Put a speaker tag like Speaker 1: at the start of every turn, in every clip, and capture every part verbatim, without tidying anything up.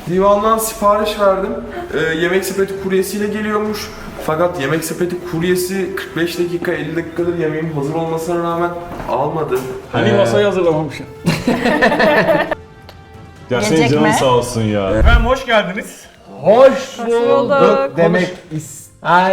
Speaker 1: Divandan sipariş verdim. Ee, yemek sepeti kuryesiyle geliyormuş. Fakat yemek sepeti kuryesi kırk beş dakika elli dakikadır yemeğim hazır olmasına rağmen almadı.
Speaker 2: Hani
Speaker 1: Ee,
Speaker 2: masayı hazırlamamışım. Ya senin
Speaker 3: Gelecek
Speaker 2: canın
Speaker 3: mi?
Speaker 2: sağ olsun ya. Efendim hoş geldiniz.
Speaker 4: Hoş
Speaker 3: bulduk.
Speaker 4: bulduk demek ister.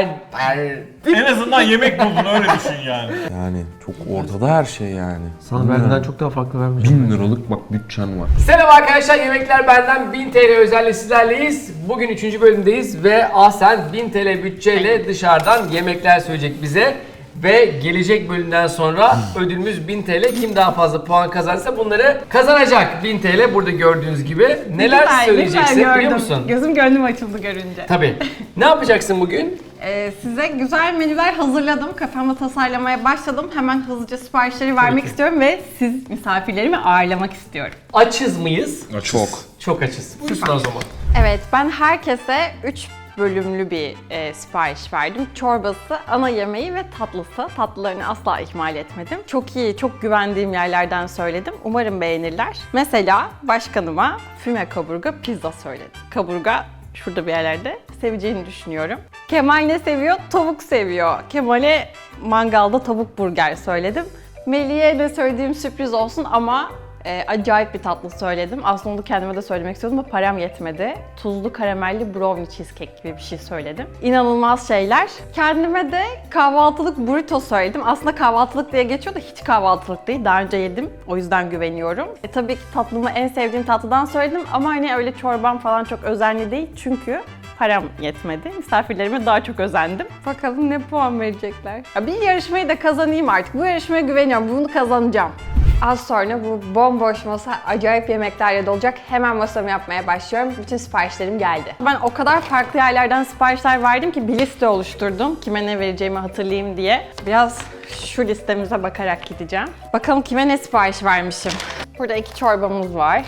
Speaker 2: En azından yemek buldun öyle düşün yani.
Speaker 1: Yani çok ortada her şey yani.
Speaker 4: Sana benden çok daha farklı vermeyeceğim.
Speaker 1: Bin liralık bak bütçen var.
Speaker 4: Selam arkadaşlar, Yemekler Benden bin T L özelle sizlerleyiz. Bugün üçüncü bölümdeyiz ve Ahsen bin T L bütçeyle dışarıdan yemekler söyleyecek bize. Ve gelecek bölümden sonra ödülümüz bin T L. Kim daha fazla puan kazanırsa bunları kazanacak. bin T L burada gördüğünüz gibi. Neler
Speaker 3: Güzel,
Speaker 4: söyleyeceksin
Speaker 3: güzel
Speaker 4: biliyor
Speaker 3: gördüm.
Speaker 4: musun?
Speaker 3: Gözüm gönlüm açıldı görünce.
Speaker 4: Tabii. Ne yapacaksın bugün?
Speaker 3: Ee, size güzel menüler hazırladım. Kafamda tasarlamaya başladım. Hemen hızlıca siparişleri vermek
Speaker 4: ki.
Speaker 3: istiyorum ve siz misafirlerimi ağırlamak istiyorum.
Speaker 4: Açız mıyız?
Speaker 1: Çok.
Speaker 4: Çok açız. Buyursun o zaman.
Speaker 3: Evet, ben herkese üç bölümlü bir e, sipariş verdim. Çorbası, ana yemeği ve tatlısı. Tatlılarını asla ihmal etmedim. Çok iyi, çok güvendiğim yerlerden söyledim. Umarım beğenirler. Mesela başkanıma füme kaburga pizza söyledim. Kaburga şurada bir yerlerde seveceğini düşünüyorum. Kemal ne seviyor? Tavuk seviyor. Kemal'e mangalda tavuk burger söyledim. Melih'e de söylediğim sürpriz olsun ama e, acayip bir tatlı söyledim. Aslında onu kendime de söylemek istiyordum ama param yetmedi. Tuzlu karamelli brownie cheesecake gibi bir şey söyledim. İnanılmaz şeyler. Kendime de kahvaltılık burrito söyledim. Aslında kahvaltılık diye geçiyor da hiç kahvaltılık değil. Daha önce yedim. O yüzden güveniyorum. E, tabii ki tatlımı en sevdiğim tatlıdan söyledim ama hani öyle çorbam falan çok özenli değil. Çünkü param yetmedi. Misafirlerime daha çok özendim. Bakalım ne puan verecekler. Ya bir yarışmayı da kazanayım artık. Bu yarışmaya güveniyorum. Bunu kazanacağım. Az sonra bu bomboş masa acayip yemeklerle dolacak. Hemen masamı yapmaya başlıyorum. Bütün siparişlerim geldi. Ben o kadar farklı yerlerden siparişler verdim ki bir liste oluşturdum. Kime ne vereceğimi hatırlayayım diye. Biraz şu listemize bakarak gideceğim. Bakalım kime ne sipariş vermişim. Burada iki çorbamız var.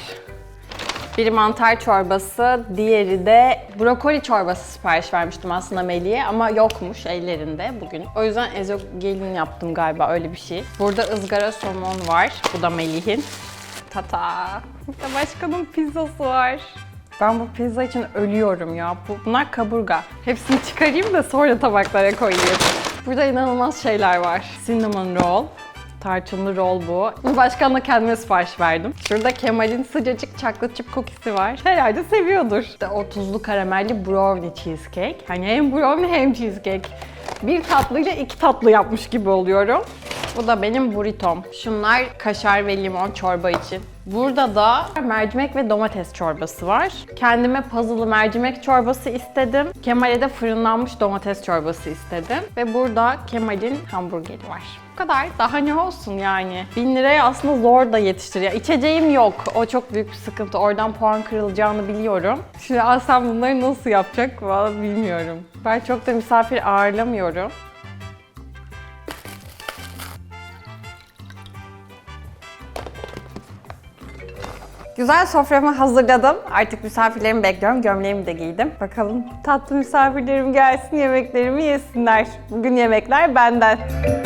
Speaker 3: Biri mantar çorbası, diğeri de brokoli çorbası sipariş vermiştim aslında Melih'e ama yokmuş ellerinde bugün. O yüzden ezogelin yaptım galiba, öyle bir şey. Burada ızgara somon var, bu da Melih'in. Tata! Burada başkanın pizzası var. Ben bu pizza için ölüyorum ya. Bunlar kaburga. Hepsini çıkarayım da sonra tabaklara koyayım. Burada inanılmaz şeyler var. Cinnamon roll. Tarçınlı roll bu. Bu başkanla kendime sipariş verdim. Şurada Kemal'in sıcacık chocolate chip cookie'si var. Herhalde seviyordur. İşte o tuzlu karamelli brownie cheesecake. Hani hem brownie hem cheesecake. Bir tatlıyla iki tatlı yapmış gibi oluyorum. Bu da benim burritom. Şunlar kaşar ve limon çorba için. Burada da mercimek ve domates çorbası var. Kendime puzzle'lı mercimek çorbası istedim. Kemal'e de fırınlanmış domates çorbası istedim. Ve burada Kemal'in hamburgeri var. Bu kadar. Daha ne olsun yani. Bin liraya aslında zor da yetiştiriyor. İçeceğim yok. O çok büyük bir sıkıntı. Oradan puan kırılacağını biliyorum. Şimdi Aslan bunları nasıl yapacak vallahi bilmiyorum. Ben çok da misafir ağırlamıyorum. Güzel soframı hazırladım. Artık misafirlerimi bekliyorum. Gömleğimi de giydim. Bakalım tatlı misafirlerim gelsin, yemeklerimi yesinler. Bugün yemekler benden.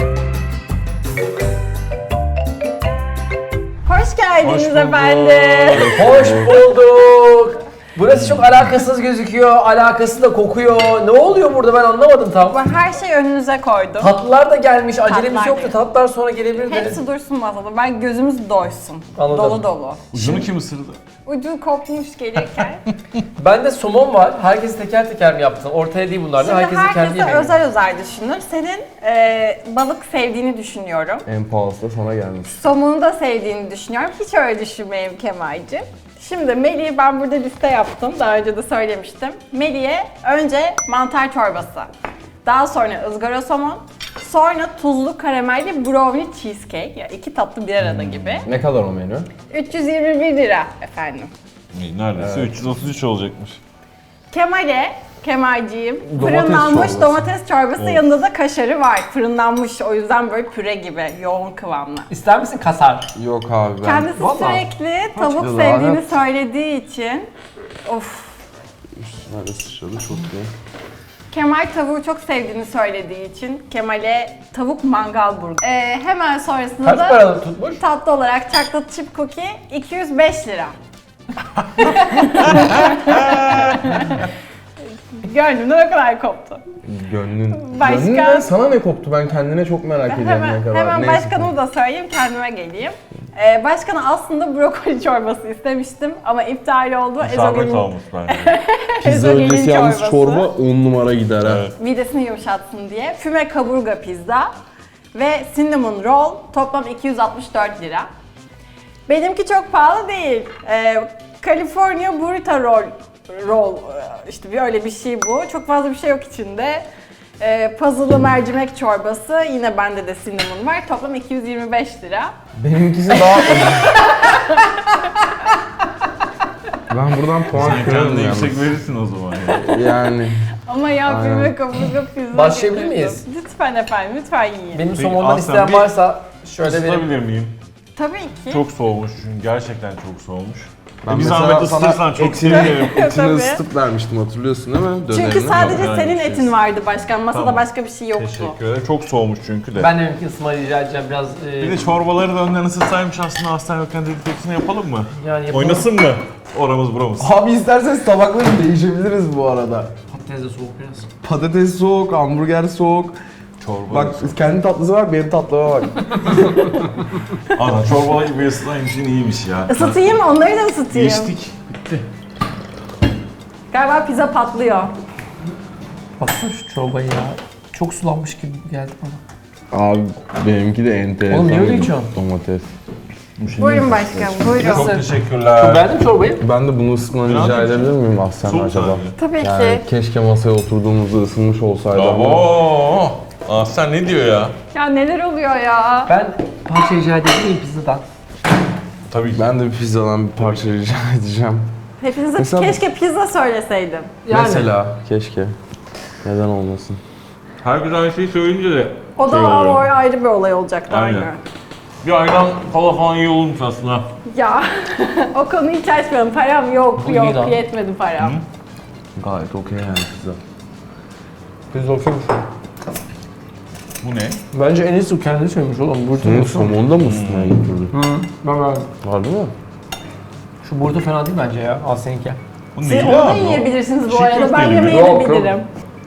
Speaker 3: Hoş geldiniz
Speaker 2: Hoş bulduk.
Speaker 3: efendim.
Speaker 4: Hoş bulduk. Burası çok alakasız gözüküyor, alakası da kokuyor. Ne oluyor burada ben anlamadım tam.
Speaker 3: Ben her şeyi önünüze koydum.
Speaker 4: Tatlılar da gelmiş, acelemiz
Speaker 3: Tatlılar
Speaker 4: yoktu.
Speaker 3: geldi.
Speaker 4: Tatlılar sonra gelebilirdi.
Speaker 3: Hepsi dursun masada. Ben gözümüz doysun.
Speaker 4: Anladım.
Speaker 3: Dolu dolu.
Speaker 2: Ucunu kim ısırdı?
Speaker 3: Ucu kopmuş gelirken.
Speaker 4: Bende somon var. Herkes teker teker mi yaptın? Ortaya değil bunlar da.
Speaker 3: Şimdi
Speaker 4: Herkesin kendi
Speaker 3: herkese
Speaker 4: yemeği.
Speaker 3: özel özel düşünür. Senin e, balık sevdiğini düşünüyorum.
Speaker 1: En pahalısı da sana gelmiş.
Speaker 3: Somunu da sevdiğini düşünüyorum. Hiç öyle düşünmeyeyim Kemal'cim. Şimdi Melih'e ben burada liste yaptım. Daha önce de söylemiştim. Melih'e önce mantar çorbası. Daha sonra ızgara somon. Sonra tuzlu karamelli brownie cheesecake. Ya iki tatlı bir arada gibi.
Speaker 1: Ne kadar o menü?
Speaker 3: üç yüz yirmi bir lira efendim.
Speaker 2: İyi, neredeyse üç yüz otuz üç olacakmış.
Speaker 3: Kemal'e, Kemalciğim,
Speaker 1: Domates
Speaker 3: fırınlanmış
Speaker 1: çorbası.
Speaker 3: domates çorbası,
Speaker 2: Of.
Speaker 3: yanında da kaşarı var. Fırınlanmış, o yüzden böyle püre gibi, yoğun kıvamlı.
Speaker 4: İster misin kasar?
Speaker 1: Yok abi ben.
Speaker 3: Kendisi
Speaker 4: Vallahi.
Speaker 3: sürekli tavuk
Speaker 1: kilo
Speaker 3: sevdiğini
Speaker 1: lanet.
Speaker 3: söylediği için, of.
Speaker 1: Nerede sıçradı çok iyi.
Speaker 3: Kemal tavuğu çok sevdiğini söylediği için Kemal'e tavuk mangal burger. Ee, hemen sonrasında
Speaker 4: Kaç
Speaker 3: da
Speaker 4: paralı tutmuş?
Speaker 3: tatlı olarak chocolate chip cookie iki yüz beş lira. Gönlümden o kadar koptu.
Speaker 5: Gönlün.
Speaker 3: Başka-
Speaker 5: Gönlünden sana ne koptu? Ben kendine çok merak ediyorum
Speaker 3: Hemen,
Speaker 5: ne kadar.
Speaker 3: hemen
Speaker 5: Neyse.
Speaker 3: başkanımı da söyleyeyim, kendime geleyim. Ee, başkana aslında brokoli çorbası istemiştim ama iptal oldu.
Speaker 2: İsabet olmuş bence.
Speaker 5: Pizza
Speaker 3: ezogelin
Speaker 5: öncesi yalnız
Speaker 3: çorbası.
Speaker 5: çorba on numara gider ha.
Speaker 2: Evet.
Speaker 3: Midesini yumuşatsın diye. Füme kaburga pizza ve cinnamon roll toplam iki yüz altmış dört lira. Benimki çok pahalı değil. Ee, California burrito roll, roll işte bir öyle bir şey bu. Çok fazla bir şey yok içinde. Ee, puzzle'lı mercimek çorbası, yine bende de cinnamon var. Toplam iki yüz yirmi beş lira.
Speaker 5: Benimkisi daha Ben buradan puan
Speaker 2: Sen
Speaker 5: kırarım
Speaker 2: kendine
Speaker 5: yalnız.
Speaker 2: yüksek verirsin o zaman ya.
Speaker 5: Yani
Speaker 3: Ama ya
Speaker 5: Aynen.
Speaker 3: füme kaburga pizza
Speaker 4: Başlayabilir
Speaker 3: getirdim.
Speaker 4: miyiz?
Speaker 3: Lütfen efendim, lütfen yiyin.
Speaker 4: Benim
Speaker 2: Peki,
Speaker 4: somondan
Speaker 2: Aslan,
Speaker 4: isteyen
Speaker 2: bir-
Speaker 4: varsa şöyle benim.
Speaker 2: Isıtabilir miyim?
Speaker 3: Tabii ki.
Speaker 2: Çok soğumuş çünkü gerçekten çok soğumuş.
Speaker 5: ben
Speaker 2: bir
Speaker 5: mesela
Speaker 2: zahmet
Speaker 5: sana
Speaker 2: ısıtırsan çok
Speaker 5: etini,
Speaker 2: sevinirim.
Speaker 5: etini
Speaker 3: Tabii.
Speaker 5: ısıtıp vermiştim, hatırlıyorsun değil mi?
Speaker 3: Çünkü
Speaker 5: Dönerini.
Speaker 3: sadece
Speaker 2: Yok,
Speaker 3: senin
Speaker 2: yani bir
Speaker 3: etin
Speaker 2: şey-
Speaker 3: vardı başkan. Masada
Speaker 2: Tamam.
Speaker 3: başka bir şey yoktu.
Speaker 2: Teşekkür ederim. Çok soğumuş çünkü de.
Speaker 4: Ben de benimki ısınma rica edeceğim biraz. E,
Speaker 2: Bir de çorbaları da önden ısıtsaymış aslında Aslan yokken dedik hepsini yapalım mı?
Speaker 4: yani yapalım.
Speaker 2: Oynasın mı? Oramız buramız.
Speaker 5: Abi isterseniz tabakları değişebiliriz bu arada.
Speaker 4: Patates de soğuk biraz.
Speaker 5: Patates soğuk, hamburger soğuk.
Speaker 2: Çorba.
Speaker 5: Bak kendi tatlısı var, benim tatlıma bak.
Speaker 2: Ana çorbalar gibi ısıtaymış yine iyiymiş ya.
Speaker 3: Isıtayım, onları da ısıtayım.
Speaker 2: Geçtik. Bitti.
Speaker 3: Galiba pizza patlıyor.
Speaker 4: Baksana şu çorbayı ya. Çok sulanmış gibi geldi bana.
Speaker 5: Abi benimki de enteresan.
Speaker 4: Oğlum niye öyle
Speaker 5: bir
Speaker 4: içiyorsun?
Speaker 5: Domates.
Speaker 3: Buyurun başkanım, buyurun.
Speaker 2: Çok
Speaker 4: Çok
Speaker 2: teşekkürler.
Speaker 4: beğendim çorbayı.
Speaker 5: Ben de bunu ısıtmanı
Speaker 2: Ne
Speaker 5: rica
Speaker 2: yapayım?
Speaker 5: edebilir miyim Aslan
Speaker 2: Soğuk
Speaker 5: acaba?
Speaker 2: sadece.
Speaker 3: Tabii
Speaker 5: Yani
Speaker 3: ki.
Speaker 5: keşke masaya oturduğumuzda ısınmış olsaydı ama.
Speaker 2: Oo. Aslan ne diyor ya?
Speaker 3: Ya neler oluyor ya?
Speaker 4: Ben parça rica edebilir miyim pizzadan?
Speaker 2: Tabii ki.
Speaker 5: Ben de bir pizzadan bir parça rica edeceğim.
Speaker 3: Hepinize
Speaker 5: Mesela-
Speaker 3: keşke pizza söyleseydim.
Speaker 4: Yani.
Speaker 5: Mesela keşke. Neden olmasın?
Speaker 2: Herkes aynı şeyi söyleyince de
Speaker 3: O da
Speaker 2: şey oluyor.
Speaker 3: o ayrı bir olay olacaktı
Speaker 2: Aynen.
Speaker 3: aynı.
Speaker 2: Bir ayran kola falan iyi olurmuş aslında.
Speaker 3: Ya o konuyu hiç açmayalım. Param yok,
Speaker 4: Bu iyi lan.
Speaker 3: yok, yetmedi param.
Speaker 5: Gayet okey yani pizza.
Speaker 4: Pizza okuymuş.
Speaker 2: Bu ne?
Speaker 4: Bence en iyisi kendi söylemiş oğlum. Burada
Speaker 5: Senin somonda mı ısıtmaya getirdin?
Speaker 4: Hı. Ben ben.
Speaker 5: Var değil mi?
Speaker 4: Şu burada fena değil bence ya. Al seninki.
Speaker 2: Bu
Speaker 3: Siz
Speaker 2: neydi
Speaker 3: onu da
Speaker 2: abi o?
Speaker 3: yiyebilirsiniz bu
Speaker 2: Çiğ
Speaker 3: arada. Ben
Speaker 2: köfte gibi.
Speaker 3: yemeği
Speaker 4: Yok,
Speaker 3: de
Speaker 4: yok.
Speaker 3: bilirim.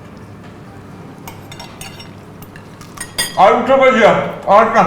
Speaker 2: Ay bu çok acı. Arka.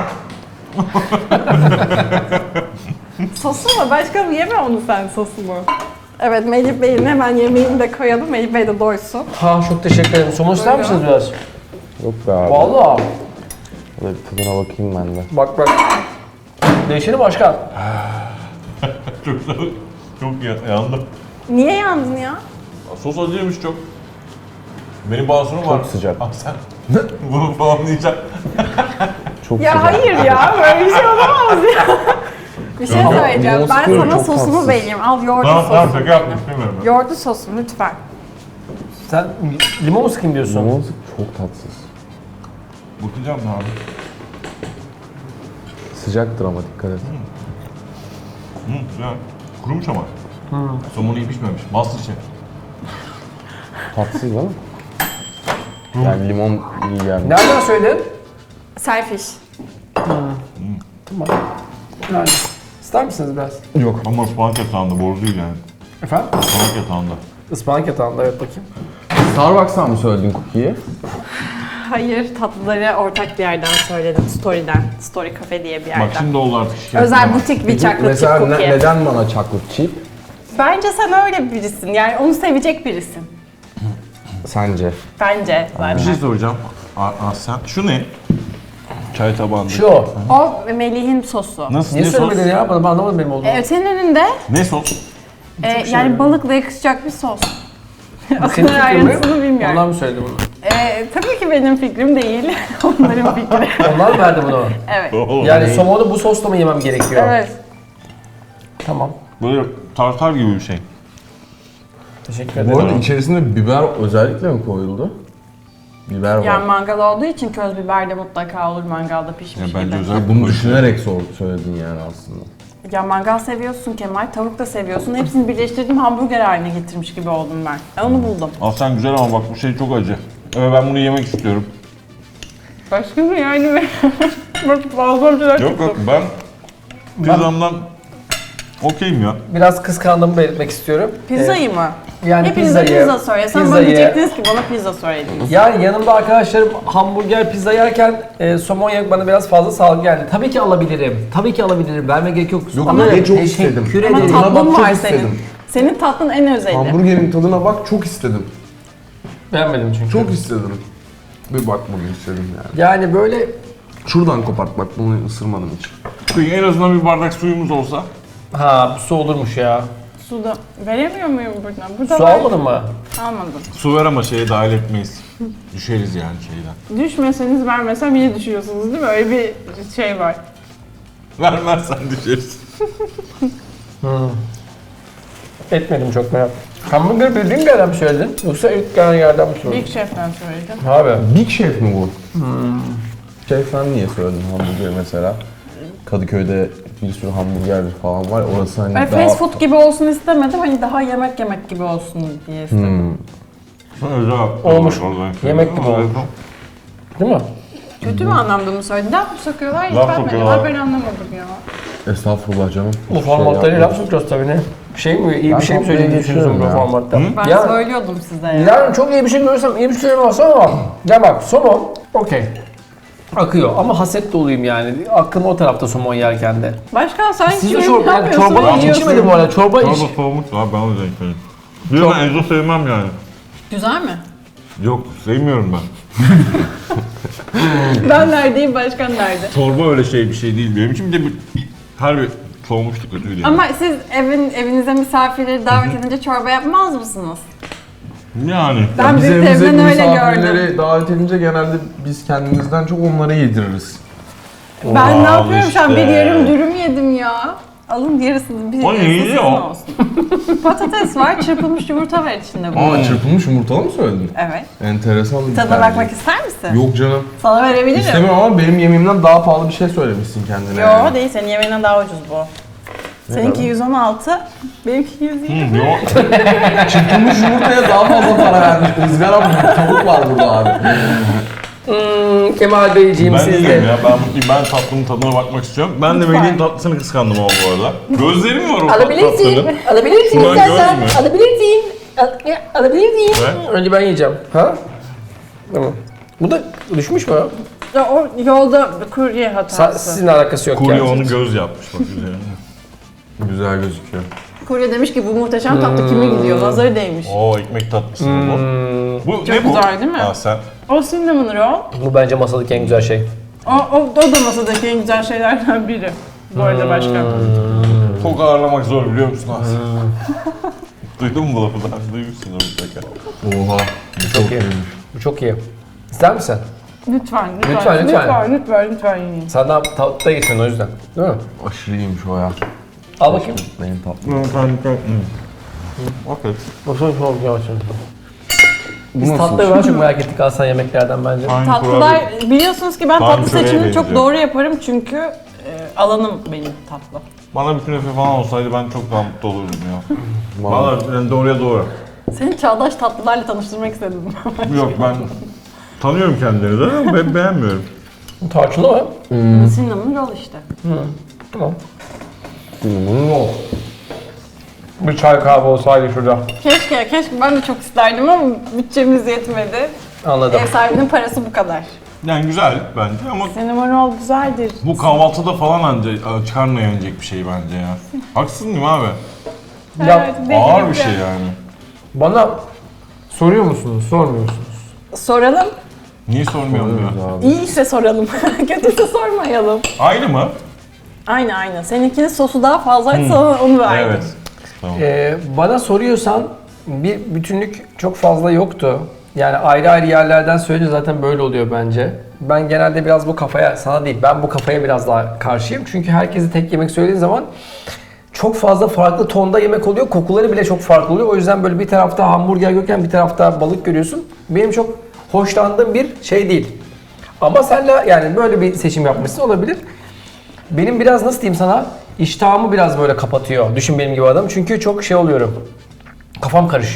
Speaker 3: Sosu mu? Başkanım yeme onu sen, sosumu. Evet, Melih Bey'in hemen yemeğini de koyalım. Melih Bey de doysun.
Speaker 4: Ha çok teşekkür ederim. Somon ister misiniz biraz?
Speaker 5: Yok be abi.
Speaker 4: Vallahi.
Speaker 5: Hadi bir tadına bakayım ben de.
Speaker 4: Bak bak. Değişeni başkan.
Speaker 2: Çok çok ya- yandım.
Speaker 3: Niye yandın ya?
Speaker 2: Sos acıymış çok. Benim basonum var.
Speaker 5: Çok sıcak.
Speaker 2: Ah sen. Bunu falan diyeceğim.
Speaker 5: Çok
Speaker 3: Ya
Speaker 5: sıcak.
Speaker 3: hayır ya, böyle bir şey olamaz ya. Bir şey
Speaker 5: Ama
Speaker 3: söyleyeceğim.
Speaker 5: limon
Speaker 3: Ben
Speaker 5: sıkıyorum,
Speaker 3: sana
Speaker 5: çok
Speaker 3: sosumu
Speaker 5: tatsız.
Speaker 3: vereyim. Al yoğurdu
Speaker 2: Tamam tamam
Speaker 3: sosumu.
Speaker 2: şaka yapmış bilmiyorum. ben.
Speaker 3: Yoğurdu sosum lütfen.
Speaker 4: Sen limon mu sıkayım diyorsun?
Speaker 5: Limon sık çok tatsız.
Speaker 2: Bakacağım ne abi.
Speaker 5: Sıcaktır ama dikkat et.
Speaker 2: Hı, güzel. Kurumuş ama. Somonu iyi pişmemiş. Masterchef.
Speaker 5: Tatsız değil mi? Yani limon iyi gelmiş.
Speaker 4: Nereden söyledin?
Speaker 3: Selfish.
Speaker 4: Tamam. Yani. İster misiniz biraz?
Speaker 5: Yok.
Speaker 2: Ama ıspanak yatağında boru değil yani.
Speaker 4: Efendim?
Speaker 2: Ispanak yatağında.
Speaker 4: Ispanak yatağında evet bakayım.
Speaker 5: Starbucks'tan mı söyledin cookie'yi?
Speaker 3: Hayır, tatlıları ortak bir yerden söyledim. Story'den. Story Cafe diye bir yerden.
Speaker 2: Bak şimdi oldu artık şikayet.
Speaker 3: Özel butik bir chocolate
Speaker 5: Mesela
Speaker 3: chip
Speaker 5: ne-
Speaker 3: cookie.
Speaker 5: neden bana chocolate chip?
Speaker 3: Bence sen öyle birisin. Yani onu sevecek birisin.
Speaker 5: Sence?
Speaker 3: Bence
Speaker 2: Bir
Speaker 3: zaten.
Speaker 2: şey soracağım. Aa, sen şu ne? Çay tabağında.
Speaker 4: Şu.
Speaker 3: O Melih'in sosu.
Speaker 2: Nasıl?
Speaker 4: Niye
Speaker 2: ne sos?
Speaker 4: söylemedin ya? Bana ben anlamadım benim olduğunu.
Speaker 3: Ee, senin önünde
Speaker 2: Ne sos?
Speaker 3: e,
Speaker 4: şey
Speaker 3: yani balıkla yakışacak bir sos. o
Speaker 4: Senin
Speaker 3: kadar
Speaker 4: fikrin mi?
Speaker 3: ayrıntısını bilmiyorum.
Speaker 4: Onlar mı söyledi bunu?
Speaker 3: Ee, tabii ki benim fikrim değil. Onların fikri.
Speaker 4: Onlar mı verdi bunu?
Speaker 3: Evet.
Speaker 2: Oo,
Speaker 4: Yani somonu bu sosla mı yemem gerekiyor?
Speaker 3: Evet.
Speaker 4: Tamam.
Speaker 2: Böyle tartar gibi bir şey.
Speaker 4: Teşekkür ederim.
Speaker 5: Bu arada içerisinde biber özellikle mi koyuldu? Biber var.
Speaker 3: Yani mangal olduğu için köz biber de mutlaka olur mangalda pişmiş
Speaker 2: Yani
Speaker 3: gibi.
Speaker 2: bence özel
Speaker 5: Ya bunu düşünerek sor, söyledin yani aslında.
Speaker 3: Ya mangal seviyorsun Kemal, tavuk da seviyorsun. Hepsini birleştirdim, hamburger haline getirmiş gibi oldum ben. Ben onu buldum.
Speaker 2: Aslan güzel ama bak bu şey çok acı. Evet ben bunu yemek istiyorum.
Speaker 3: Başka mı yani? Bak fazla bir şeyler
Speaker 2: Yok yok ben pizzamdan Okeyim ya.
Speaker 4: Biraz kıskandığımı belirtmek istiyorum.
Speaker 3: Pizzayı mı?
Speaker 4: Yani
Speaker 3: Hepinize
Speaker 4: pizzayı,
Speaker 3: pizza söylesem bana
Speaker 4: pizzayı-
Speaker 3: diyecektiniz ki bana pizza söylediniz.
Speaker 4: Yani yanımda arkadaşlarım hamburger, pizza yerken e, somon yemek bana biraz fazla sağlıklı geldi. Tabii ki alabilirim. Tabii ki alabilirim. Verme gerek yok.
Speaker 5: Yok,
Speaker 4: Ama
Speaker 5: ben çok
Speaker 4: teşekkür
Speaker 5: istedim.
Speaker 4: ederim.
Speaker 3: Ama
Speaker 5: Tadına
Speaker 3: tatlın
Speaker 5: bak, çok
Speaker 3: var
Speaker 5: istedim.
Speaker 3: senin. Senin tatlın en özeli.
Speaker 5: Hamburgerin tadına bak, çok istedim.
Speaker 4: Beğenmedim çünkü.
Speaker 5: Çok istedim. Bir bakmayı istedim yani.
Speaker 4: Yani böyle
Speaker 5: Şuradan kopart bak, bunu ısırmadım hiç.
Speaker 2: Peki en azından bir bardak suyumuz olsa.
Speaker 4: ha bu su olurmuş ya.
Speaker 3: Su da veremiyor muyum buradan? Burada
Speaker 4: Su
Speaker 3: var.
Speaker 4: almadın mı?
Speaker 3: Almadım.
Speaker 2: Su ver ama şeye dahil etmeyiz. Düşeriz yani şeyden.
Speaker 3: Düşmeseniz vermesem yine düşüyorsunuz değil mi? Öyle bir şey var.
Speaker 2: Vermezsen düşeriz.
Speaker 4: Etmedim çok merak. Hamburger bildiğin bir yerden mi söyledin? Yoksa ilk gelen yerden mi söyledin?
Speaker 3: Big Chef'ten söyledim.
Speaker 4: Abi.
Speaker 5: Big Chef mi bu? Şef sen niye söyledin hamburger mesela? Kadıköy'de bir sürü hamburgerci falan var. Orası hani
Speaker 3: Ben
Speaker 5: daha...
Speaker 3: fast food gibi olsun istemedim. Hani daha yemek yemek gibi olsun diye istedim.
Speaker 5: Hmm.
Speaker 2: Özel
Speaker 4: Olmuş. Yemek gibi olmuş. Değil mi?
Speaker 3: Kötü bir anlamda mı söyledin? Laf mı sokuyorlar? Hiç
Speaker 2: Laf
Speaker 3: ben,
Speaker 2: sokuyorlar.
Speaker 3: ben anlamadım ya.
Speaker 5: Estağfurullah canım.
Speaker 4: Bu
Speaker 5: Şey
Speaker 4: formatlarıyla
Speaker 5: yapma.
Speaker 4: laf sokuyoruz tabii ne? Bir şey mi? İyi
Speaker 5: Ben
Speaker 4: bir şey mi
Speaker 5: tatlıya
Speaker 4: söylediğini düşünüyorsun bu
Speaker 5: geçiyorum ya.
Speaker 4: formatta?
Speaker 3: Ben
Speaker 4: Ya-
Speaker 3: söylüyordum size ya.
Speaker 4: Yani çok iyi bir şey görürsem iyi bir şey olmasa ama ya bak somon okey. Akıyor ama haset doluyum yani. Aklım o tarafta somon yerken de.
Speaker 3: Başkan sen
Speaker 4: Siz de
Speaker 3: kimin
Speaker 4: çorba, yani
Speaker 3: yapıyorsun?
Speaker 4: çorba hiç
Speaker 3: Yiyorsun.
Speaker 4: içmedim bu arada. Çorba iç.
Speaker 2: Çorba soğumuş abi ben o yüzden içmedim. Bir de ben Enzo sevmem yani.
Speaker 3: Güzel mi?
Speaker 2: Yok sevmiyorum ben.
Speaker 3: Ben neredeyim, başkan nerede?
Speaker 2: Çorba öyle şey bir şey değil benim için. Bir de bir, her bir soğumuşluk kötüydü yani.
Speaker 3: Ama siz evin evinize misafirleri davet edince çorba yapmaz mısınız?
Speaker 2: Yani.
Speaker 3: Ben
Speaker 5: Biz
Speaker 3: büyük
Speaker 5: evimize
Speaker 3: evden öyle
Speaker 5: misafirleri
Speaker 3: gördüm.
Speaker 5: davet edince genelde biz kendimizden çok onlara yediririz.
Speaker 3: Ben ne
Speaker 2: Al
Speaker 3: yapıyorum şu an? Bir
Speaker 2: işte.
Speaker 3: yarım dürüm yedim ya. Alın yarısını, bir
Speaker 2: O
Speaker 3: yarısı
Speaker 2: neydi
Speaker 3: sizin
Speaker 2: o?
Speaker 3: olsun. Patates var, çırpılmış yumurta var içinde bu.
Speaker 5: Aa, çırpılmış yumurtalı mı söyledin?
Speaker 3: Evet.
Speaker 5: Enteresan bir
Speaker 3: Tadına
Speaker 5: tercih.
Speaker 3: bakmak ister misin?
Speaker 5: Yok canım.
Speaker 3: Sana verebilirim.
Speaker 5: İstemiyorum ama benim yemeğimden daha pahalı bir şey söylemişsin kendine.
Speaker 3: Yo
Speaker 5: yani.
Speaker 3: değil, senin yemeğinden daha ucuz bu. Seninki yüz on altı, benimki yüz yirmi.
Speaker 2: Yok.
Speaker 5: Çırpılmış yumurtaya daha fazla para vermiş. Izgara bu, tavuk var burada abi.
Speaker 4: Hmm, Kemal Beyciğim
Speaker 2: Ben
Speaker 4: sizde.
Speaker 2: değilim ya. Ben, ben tatlının tadına bakmak istiyorum. Ben de
Speaker 3: Lütfen.
Speaker 2: Melih'in tatlısını kıskandım ama bu arada. Gözlerim var o
Speaker 4: Alabilirsin.
Speaker 2: tatlının.
Speaker 4: Alabilirsin
Speaker 2: Şuradan
Speaker 4: istersen.
Speaker 2: göz mü?
Speaker 4: Alabilirsin. Al- ya, Alabilirsin.
Speaker 2: Ve?
Speaker 4: Önce ben yiyeceğim. Ha? Tamam. Bu da düşmüş mü?
Speaker 3: Ya o yolda kurye
Speaker 4: Sa-
Speaker 3: hatası.
Speaker 4: Sizin alakası yok
Speaker 2: Kurye
Speaker 4: yani.
Speaker 2: onu göz yapmış bak üzerine.
Speaker 5: Güzel gözüküyor.
Speaker 3: Kurye demiş ki bu muhteşem tatlı kime gidiyor? Nazarı değmiş.
Speaker 2: Oo ekmek tatlısı mı bu?
Speaker 4: Hmm,
Speaker 2: Bu
Speaker 3: Çok
Speaker 2: ne bu?
Speaker 3: güzel değil mi?
Speaker 2: Ha sen.
Speaker 3: O cinnamon roll.
Speaker 4: bu bence masadaki en güzel şey.
Speaker 3: O, o, o da masadaki en güzel şeylerden biri. Bu arada başkan.
Speaker 2: Çok ağırlamak zor biliyor musun Asya? Duydun mu bu lafı daha? Duymuşsundur mutlaka.
Speaker 5: Oha. Bu çok
Speaker 4: iyi.
Speaker 5: iyiymiş.
Speaker 4: Bu çok iyi. İster misin?
Speaker 3: Lütfen, lütfen,
Speaker 4: Lütfen, lütfen.
Speaker 3: lütfen, lütfen, lütfen yiyin.
Speaker 4: Senden tatlı geçsin o yüzden. Değil mi?
Speaker 5: Aşırı iyiymiş o ya.
Speaker 4: Al bakayım.
Speaker 5: Benim tatlım.
Speaker 2: Okey.
Speaker 4: Baksana çok yavaş.
Speaker 5: Bu
Speaker 4: Biz
Speaker 5: nasıl?
Speaker 4: tatlıları daha çok merak ettik Aslan yemeklerden bence.
Speaker 2: Hangi
Speaker 3: Tatlılar, biliyorsunuz ki ben
Speaker 2: Daha
Speaker 3: tatlı
Speaker 2: şuraya
Speaker 3: seçimini çok
Speaker 2: benziyor.
Speaker 3: doğru yaparım çünkü e, alanım benim tatlı.
Speaker 2: Bana bir künefe falan olsaydı ben çok daha mutlu olurdum ya.
Speaker 5: Vallahi.
Speaker 2: Valla yani doğruya doğru.
Speaker 3: Seni çağdaş tatlılarla tanıştırmak istedim.
Speaker 2: Yok ben tanıyorum kendilerini de ama ben beğenmiyorum.
Speaker 4: Tarçınlı mı?
Speaker 3: Cinnamon roll işte.
Speaker 4: Tamam.
Speaker 5: Bunun o.
Speaker 4: Bir çay kahve olsaydı şurada.
Speaker 3: Keşke, keşke ben de çok isterdim ama bütçemiz yetmedi.
Speaker 4: Anladım.
Speaker 3: Ev sahibinin parası bu kadar.
Speaker 2: Yani güzel bence ama
Speaker 3: Cinnamon roll güzeldir.
Speaker 2: bu kahvaltıda falan anca karnına yenecek bir şey bence ya. Haksız mıyım abi?
Speaker 4: Ya
Speaker 3: Evet, belli
Speaker 2: Ağır
Speaker 3: bir
Speaker 2: bir şey yani.
Speaker 4: bana soruyor musunuz, sormuyor musunuz?
Speaker 3: Soralım.
Speaker 2: Niye sormuyorum ya?
Speaker 3: İyiyse soralım. Kötüyse sormayalım.
Speaker 2: Aynı mı?
Speaker 3: Aynı aynı. Seninkinin sosu daha fazlaydı sana onu verdim.
Speaker 2: Evet. Tamam.
Speaker 4: Ee, bana soruyorsan bir bütünlük çok fazla yoktu. Yani ayrı ayrı yerlerden söyleyince zaten böyle oluyor bence. Ben genelde biraz bu kafaya, sana değil, ben bu kafaya biraz daha karşıyım. Çünkü herkese tek yemek söylediğin zaman çok fazla farklı tonda yemek oluyor. Kokuları bile çok farklı oluyor. O yüzden böyle bir tarafta hamburger görürken bir tarafta balık görüyorsun. Benim çok hoşlandığım bir şey değil. Ama senle yani böyle bir seçim yapmışsın olabilir. Benim biraz nasıl diyeyim sana, iştahımı biraz böyle kapatıyor. Düşün benim gibi adam. Çünkü çok şey oluyorum. Kafam karışıyor.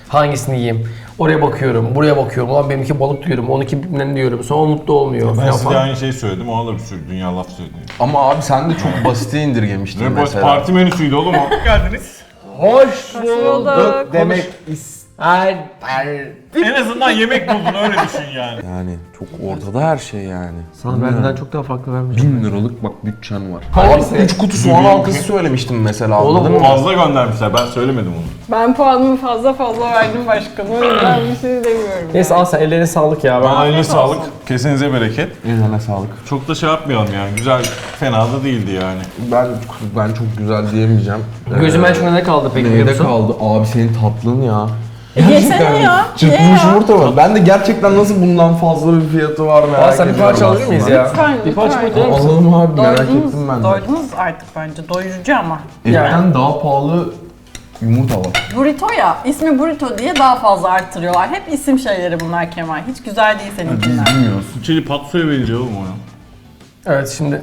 Speaker 4: Hangisini yiyeyim? Oraya bakıyorum, buraya bakıyorum. Ulan benimki balık diyorum, onunki bilmem diyorum. Sonra mutlu olmuyor.
Speaker 2: Ben
Speaker 4: falan
Speaker 2: size
Speaker 4: falan.
Speaker 2: aynı şeyi söyledim, ona da bir sürü dünya laf söyledim.
Speaker 5: Ama abi sen de çok basite indirgemiştin
Speaker 2: Ne basit
Speaker 5: mesela.
Speaker 2: parti menüsüydü oğlum o. Geldiniz.
Speaker 4: Hoş
Speaker 3: bulduk.
Speaker 4: demek ister.
Speaker 2: En azından yemek buldun, öyle düşün yani.
Speaker 5: Yani çok ortada her şey yani.
Speaker 4: Sana benden çok daha farklı vermeyeceğim.
Speaker 5: Bin liralık bak bütçen var.
Speaker 4: Hangisi?
Speaker 5: Abi üç kutu soğan halkası söylemiştim mesela.
Speaker 4: Oğlum,
Speaker 5: anladın mı?
Speaker 2: Fazla göndermişler, ben söylemedim onu.
Speaker 3: Ben puanımı fazla fazla verdim başkanım. O yüzden bir şey demiyorum.
Speaker 4: Neyse al sen, ellerine sağlık ya. Ben...
Speaker 2: Bana eline sağlık, kesinize bereket.
Speaker 5: Eline sağlık.
Speaker 2: Çok da şey yapmayalım yani, güzel, fena da değildi yani.
Speaker 5: Ben ben çok güzel diyemeyeceğim.
Speaker 4: Gözüme en çok ne kaldı peki biliyor
Speaker 5: Neyde
Speaker 4: musun?
Speaker 5: kaldı? Abi senin tatlın ya.
Speaker 3: Yesene ya.
Speaker 5: Çırpılmış yumurta var. Ben de gerçekten nasıl bundan fazla bir fiyatı var merak
Speaker 4: Aa, sen bir
Speaker 5: ediyorum
Speaker 4: parça alır mıyız
Speaker 5: aslında.
Speaker 4: ya?
Speaker 3: Lütfen,
Speaker 4: Bir parça
Speaker 3: lütfen.
Speaker 4: koyar mısın?
Speaker 5: Alalım abi merak
Speaker 6: Doydunuz,
Speaker 5: ettim ben de.
Speaker 6: doydunuz artık bence. Doyurucu ama.
Speaker 5: Etten daha pahalı yumurta var.
Speaker 6: Burrito ya, ismi burrito diye daha fazla arttırıyorlar. Hep isim şeyleri bunlar Kemal. Hiç güzel değil seninkiler.
Speaker 5: Bilmiyoruz.
Speaker 2: Çili patsoya benziyor oğlum o ya.
Speaker 4: Evet şimdi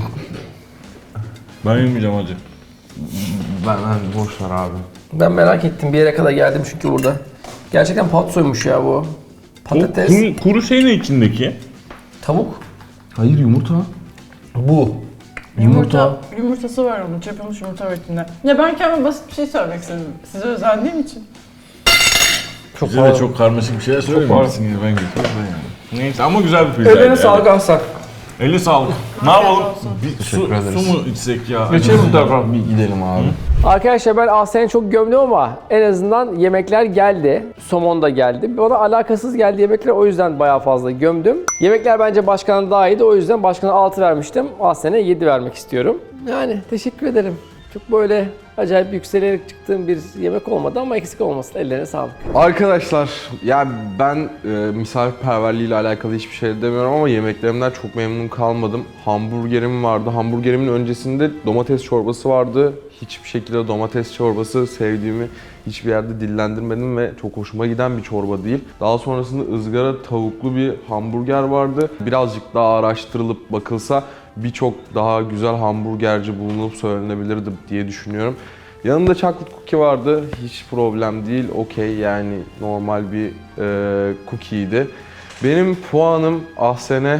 Speaker 2: Ben yemeyeceğim acı.
Speaker 5: Ben, ben boş ver abi.
Speaker 4: ben merak ettim, bir yere kadar geldim çünkü burada. Gerçekten patsoymuş ya bu. Patates,
Speaker 2: Kuru, kuru şey ne içindeki?
Speaker 4: tavuk.
Speaker 5: Hayır yumurta.
Speaker 4: Bu.
Speaker 6: Yumurta. Yumurtası var onun, çırpılmış yumurta var içinde. Ya ben kendime basit bir şey söylemek istedim. Size özendiğim için.
Speaker 4: Çok
Speaker 2: Bize de çok karmaşık bir şeyler söylememişsiniz, ben götürürüm ben yani. Neyse ama güzel bir pizza.
Speaker 4: Ellerine
Speaker 2: yani.
Speaker 4: sağlık Aslan.
Speaker 2: Eline sağlık. Ne yapalım? Bir su,
Speaker 5: Teşekkür ederiz.
Speaker 2: su mu içsek ya?
Speaker 4: Geçelim bu tarafa.
Speaker 5: Bir gidelim abi.
Speaker 4: Arkadaşlar ben Asya'yı çok gömdüm ama en azından yemekler geldi. Somon da geldi. Bana alakasız geldi yemekler, o yüzden bayağı fazla gömdüm. Yemekler bence başkanın daha iyiydi, o yüzden başkana altı vermiştim. Asya'ya yedi vermek istiyorum. Yani teşekkür ederim. Çok böyle acayip yükselerek çıktığım bir yemek olmadı ama eksik olmasın. Ellerine sağlık.
Speaker 5: Arkadaşlar yani ben e, misafirperverliğiyle alakalı hiçbir şey demiyorum ama yemeklerimden çok memnun kalmadım. Hamburgerim vardı. Hamburgerimin öncesinde domates çorbası vardı. Hiçbir şekilde domates çorbası sevdiğimi hiçbir yerde dillendirmedim ve çok hoşuma giden bir çorba değil. Daha sonrasında ızgara tavuklu bir hamburger vardı. Birazcık daha araştırılıp bakılsa birçok daha güzel hamburgerci bulunup söylenebilirdi diye düşünüyorum. Yanında chocolate cookie vardı. Hiç problem değil. Okey yani normal bir e, cookie'ydi. Benim puanım Ahsen'e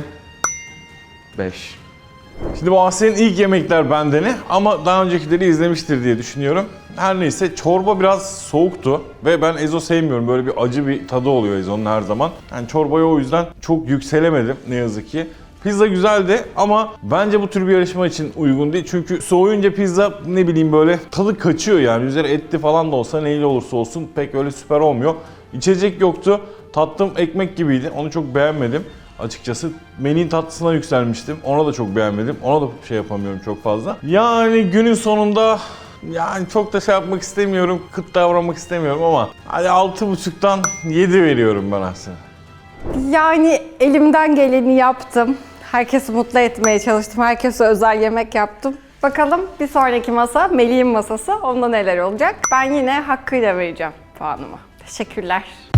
Speaker 5: beş.
Speaker 2: Şimdi bu Asya'nın ilk yemekler bendeni ama daha öncekileri izlemiştir diye düşünüyorum. Her neyse çorba biraz soğuktu ve ben Ezo sevmiyorum. Böyle bir acı bir tadı oluyor Ezo'nun her zaman. Yani çorbaya o yüzden çok yükselemedim ne yazık ki. Pizza güzeldi ama bence bu tür bir yarışma için uygun değil. Çünkü soğuyunca pizza ne bileyim böyle tadı kaçıyor yani. Üzeri etli falan da olsa neyle olursa olsun pek öyle süper olmuyor. İçecek yoktu. Tatlım ekmek gibiydi. Onu çok beğenmedim. Açıkçası Melih'in tatlısına yükselmiştim. Ona da çok beğenmedim. Ona da şey yapamıyorum çok fazla. Yani günün sonunda yani çok da şey yapmak istemiyorum. Kıt davranmak istemiyorum ama hadi altı buçuktan yedi veriyorum ben aslında.
Speaker 3: Yani elimden geleni yaptım. Herkesi mutlu etmeye çalıştım. Herkese özel yemek yaptım. Bakalım bir sonraki masa Melih'in masası. Onda neler olacak? Ben yine hakkıyla vereceğim puanımı. Teşekkürler.